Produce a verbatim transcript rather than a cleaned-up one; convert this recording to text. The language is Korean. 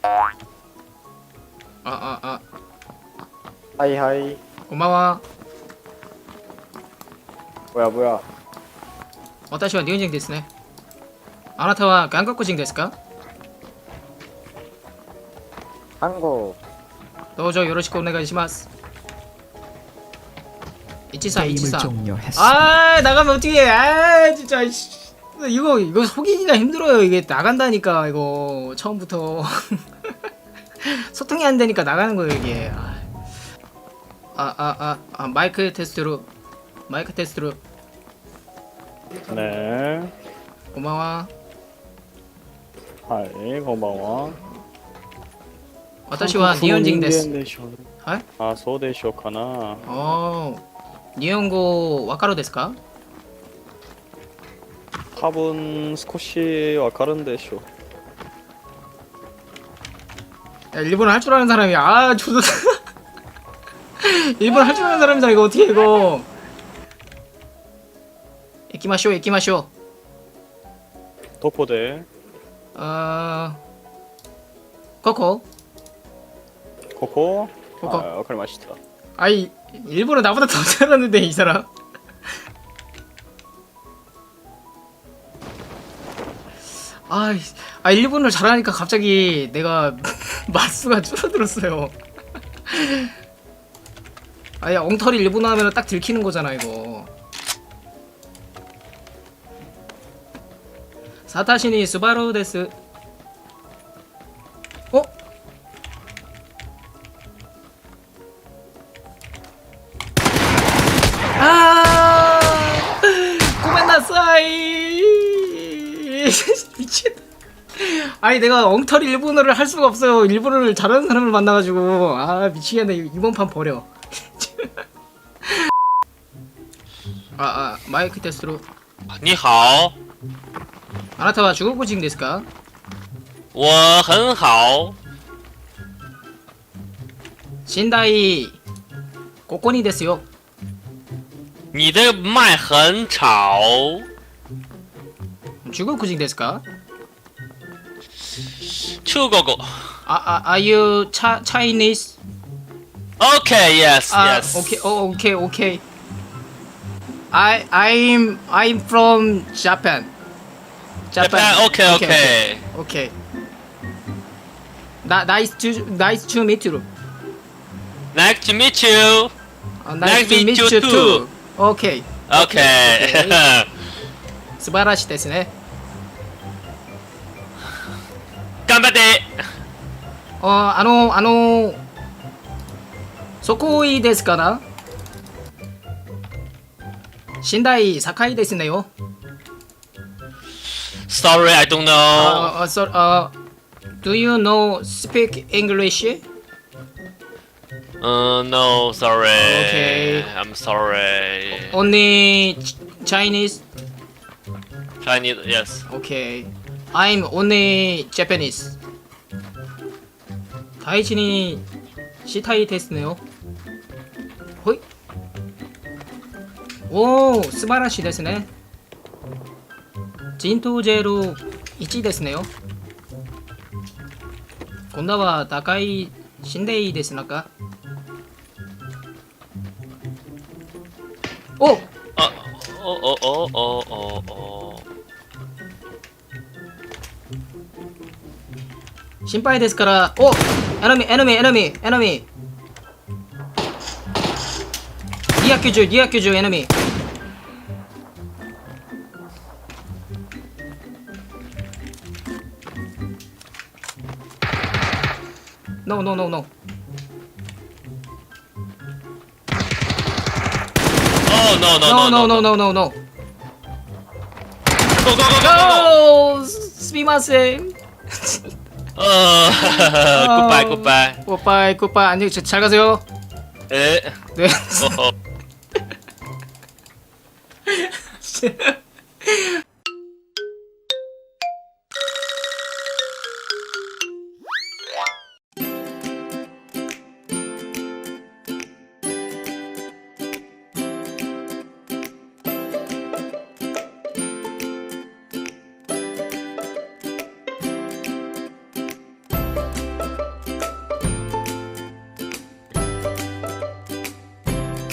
あああはいはい。 こんばんは。 뭐야 뭐야. 私は日本人ですね。あなたは韓国人ですか？ 한국. どうぞよろしくお願いします。일삼 게임을 일삼. 종료했습니다. 아 나가면 어떻게 해? 아 진짜 이씨. 이거 이거 속이기가 힘들어요. 이게 나간다니까 이거 처음부터 소통이 안 되니까 나가는 거예요 이게. 아 아 아 아 마이크 테스트로 마이크 테스트로. 네. 고마워. はい、こんばんは。 私は日本人です。 でしょう。 はい。 あ、そうでしょうかな。 おー。日本語わかるですか？ 多分少しわかるんでしょう。 야, 일본어 할 줄 아는 사람이 아 조선 일본어 할 줄 아는 사람이다 이거 어떻게 이거. 이키마쇼 이키마쇼. どこで？ 어 코코 ここ？ ここ。 はい、わかりました。 아이 일본어 나보다 더 잘하는데 이 사람. 아, 아 일본어를 잘하니까 갑자기 내가 말수가 줄어들었어요. 아야 엉터리 일본어 하면 딱 들키는 거잖아 이거. 사타시니 스바루 데스. 어? 아, 고멘나사이. 미친. 아니 내가 엉터리 일본어를 할 수가 없어요. 일본어를 잘하는 사람을 만나가지고 아 미치겠네. 이번 판 버려. 아, 아 마이크 테스트로. 你好， 아나타와 중국인ですか? 我很好。 寝台ここにですよ。 你的麦很吵。 중국인ですか? 中国語。 아, 아, are you cha Chinese? Okay, yes, 아, yes. okay, oh, okay, okay. I, I'm, I'm from Japan. Japan, okay, okay. Okay. Na, nice to, nice to meet you. Nice to meet you. Uh, nice to meet you too. Okay. Okay. 素晴らしいですね。 頑張って。 あ、あの、あの、そこいいですかな？寝台高いですねよ。 Sorry, I don't know. Uh, uh, so, uh, do you know speak English? Uh, no, sorry. Okay. I'm sorry. Only ch Chinese? Chinese, yes. Okay. I'm only Japanese. 大事にしたいですねよ。ほい。おー、素晴らしいですね。陣頭ジェルいちですねよ。今度は高い死んでいいですなか。おっ、 あ、おおおおおお。 心配ですから。お、エナミーエナミーエナミーエナミー。にひゃくきゅうじゅう、にひゃくきゅうじゅうエナミー。No, no, no, no. Oh, no, No, no, no, no, no, no, no, no. Go, go, go, go, go, go. No! すみません。 어, 굿바이, 굿바이. 굿바이, 굿바이. 안녕히 잘 가세요. 에. 네. 어, 어.